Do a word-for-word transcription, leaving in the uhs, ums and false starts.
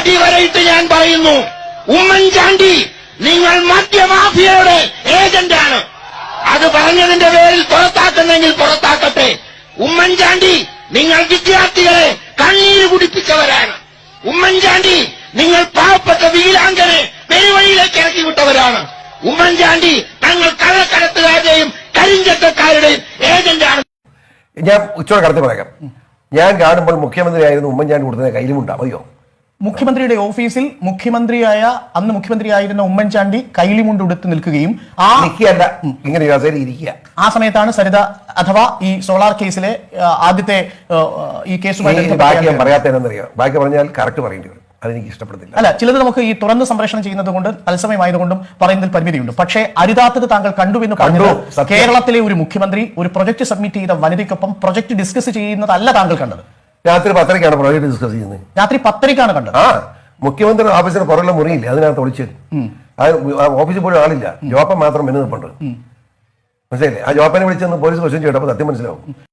അടിവരയിട്ട് ഞാൻ പറയുന്നു, ഉമ്മൻചാണ്ടി നിങ്ങൾ മദ്യമാഫിയയുടെ ഏജന്റാണ്. അത് പറഞ്ഞതിന്റെ പേരിൽ പുറത്താക്കുന്നെങ്കിൽ പുറത്താക്കട്ടെ. ഉമ്മൻചാണ്ടി നിങ്ങൾ വിദ്യാർത്ഥികളെ കണ്ണീര് കുടിപ്പിച്ചവരാണ്. ഉമ്മൻചാണ്ടി നിങ്ങൾ പാവപ്പെട്ട വീരാങ്കനെ പെരുവഴിയിലേക്ക് ഇറക്കി വിട്ടവരാണ്. ഉമ്മൻചാണ്ടി തങ്ങൾ കള്ളക്കടത്തുകാരുടെയും കരിഞ്ചത്തക്കാരുടെയും ഏജന്റാണ്. ഞാൻ ഉച്ചയോടെ കടത്തി പറയാം. ഞാൻ കാണുമ്പോൾ മുഖ്യമന്ത്രിയായിരുന്നു ഉമ്മൻചാണ്ടി കൊടുത്തത് കയ്യിലുമുണ്ടാ മതിയോ? മുഖ്യമന്ത്രിയുടെ ഓഫീസിൽ മുഖ്യമന്ത്രിയായ അന്ന് മുഖ്യമന്ത്രിയായിരുന്ന ഉമ്മൻചാണ്ടി കൈലിമുണ്ട് ഉടുത്ത് നിൽക്കുകയും ആ നിൽക്കുകയല്ല, ഇങ്ങനെ ഇരിക്കുക. ആ സമയത്താണ് സരിത അഥവാ ഈ സോളാർ കേസിലെ ആദ്യത്തെ ഈ കേസുമായി ബാക്കി ഞാൻ പറയാത്തതെന്നറിയാം. ബാക്കി പറഞ്ഞാൽ കറക്റ്റ് പറയേണ്ടി വരും. അതെനിക്ക് ഇഷ്ടപ്പെടുന്നില്ല. അല്ല, ചിലത് നമുക്ക് ഈ തുറന്ന് സംപ്രേഷണം ചെയ്യുന്നത് കൊണ്ട് തത്സമയമായതുകൊണ്ടും പറയുന്നതിൽ പരിമിതിയുണ്ട്. പക്ഷേ അരുതാത്തത് താങ്കൾ കണ്ടുവെന്ന് പറഞ്ഞത് കേരളത്തിലെ ഒരു മുഖ്യമന്ത്രി ഒരു പ്രൊജക്ട് സബ്മിറ്റ് ചെയ്ത വനിതയ്ക്കൊപ്പം പ്രൊജക്ട് ഡിസ്കസ് ചെയ്യുന്നതല്ല താങ്കൾ കണ്ടത്. രാത്രി പത്തരയ്ക്കാണ് പ്രോജക്ട് ഡിസ്കസ് ചെയ്യുന്നത്. രാത്രി പത്തരയ്ക്കാണ് കണ്ടത്. ആ മുഖ്യമന്ത്രി ഓഫീസിന് പുറകിലെ മുറിയില്ല, അതിനകത്ത് ഒളിച്ച് ഓഫീസിൽ പോലും ആളില്ല, ജോപ്പൻ മാത്രം മെനു നിൽപ്പുണ്ട്. മനസ്സിലായില്ലേ? ആ ജോപ്പനെ വിളിച്ചെന്ന് പോലീസ് ക്വസ്റ്റ്യൻ ചെയ്യട്ടെ, അപ്പൊ സത്യം മനസ്സിലാവും.